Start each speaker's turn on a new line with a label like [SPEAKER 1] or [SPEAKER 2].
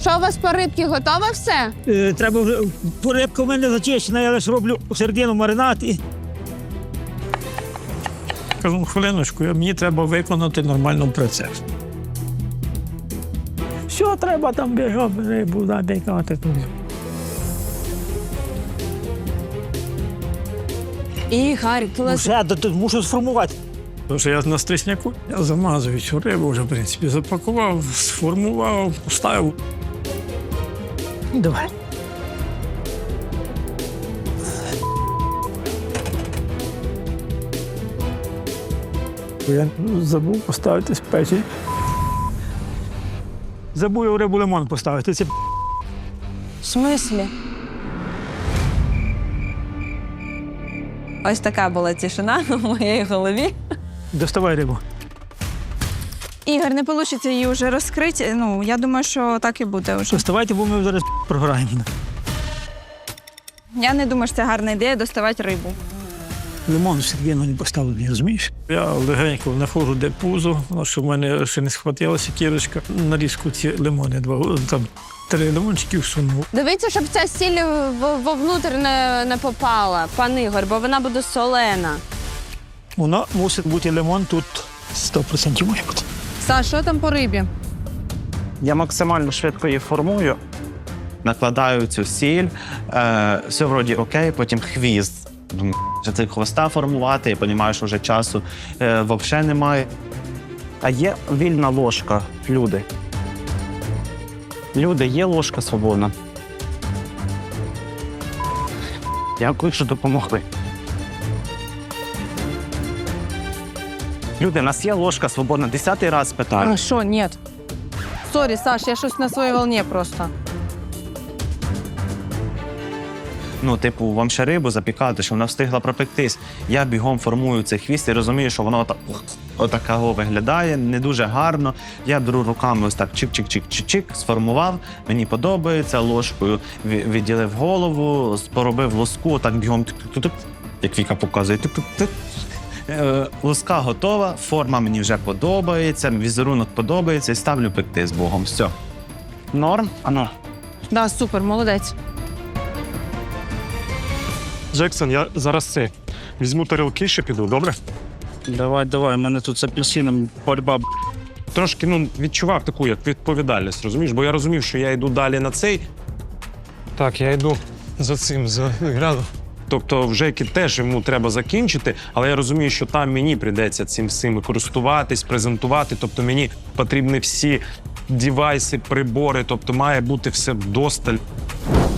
[SPEAKER 1] Що у вас по рибці, готове все?
[SPEAKER 2] Треба вже... Рибка в мене зачищена, я лише роблю середину маринад і...
[SPEAKER 3] Кажу, хвилиночку, мені треба виконати нормальний процес.
[SPEAKER 2] Що треба там бігати, рибу набігати туди.
[SPEAKER 1] Ігор,
[SPEAKER 2] Вже, мушу сформувати.
[SPEAKER 3] Тому що я на стрісняку, я замазую цю рибу вже, в принципі, запакував, сформував, поставив.
[SPEAKER 2] Давай. Я забув поставити спеції. Забув у рибу лимон поставити. Це
[SPEAKER 4] В смислі? Ось така була тишина в моїй голові.
[SPEAKER 2] доставай рибу.
[SPEAKER 5] Ігор, не вийде її вже розкрити. Ну, я думаю, що так і буде вже.
[SPEAKER 2] Доставайте, бо ми зараз програємо.
[SPEAKER 5] Я не думаю, що це гарна ідея доставати рибу.
[SPEAKER 2] Лимон середину не поставлений, розумієш?
[SPEAKER 3] Я легенько знаходжу, де пузо, щоб в мене ще не схватилася кірочка. Нарізку ці лимони, там 3 лимончики всунув.
[SPEAKER 1] Дивіться, щоб ця сіль вовнутрь не попала, пан Ігор, бо вона буде солена.
[SPEAKER 2] Воно мусить бути лимон тут 100% має бути.
[SPEAKER 4] Саш, що там по рибі?
[SPEAKER 6] Я максимально швидко її формую, накладаю цю сіль, все вроді окей, потім хвіст. Думаю, що це хвоста формувати, я розумію, що вже часу взагалі немає. А є вільна ложка, люди. Люди, є ложка свободна. Дякую, що допомогли. Люди, у нас є ложка свободна. 10-й раз питаю.
[SPEAKER 4] А що, ні. Сорі, Саш, я щось на своїй волні просто.
[SPEAKER 6] Ну, типу, вам ще рибу запікати, щоб вона встигла пропектись. Я бігом формую цей хвіст і розумію, що воно отакого виглядає, не дуже гарно. Я беру руками ось так чик-чик-чик-чик-чик, сформував, мені подобається, ложкою відділив голову, поробив лоску, так бігом, як Віка показує, лоска готова, форма мені вже подобається, візерунок подобається і ставлю пекти з Богом. Все. Норм? Ано.
[SPEAKER 4] Да, супер, молодець.
[SPEAKER 7] Джексон, я зараз візьму тарілки, ще піду, добре?
[SPEAKER 8] Давай, у мене тут з апельсином боротьба.
[SPEAKER 7] Трошки, відчував таку, як відповідальність, розумієш? Бо я розумів, що я йду далі на цей. Так, я йду за цим, за градом. Тобто вже теж йому треба закінчити, але я розумію, що там мені прийдеться цим всім користуватись, презентувати. Тобто мені потрібні всі девайси, прибори, тобто має бути все вдосталь.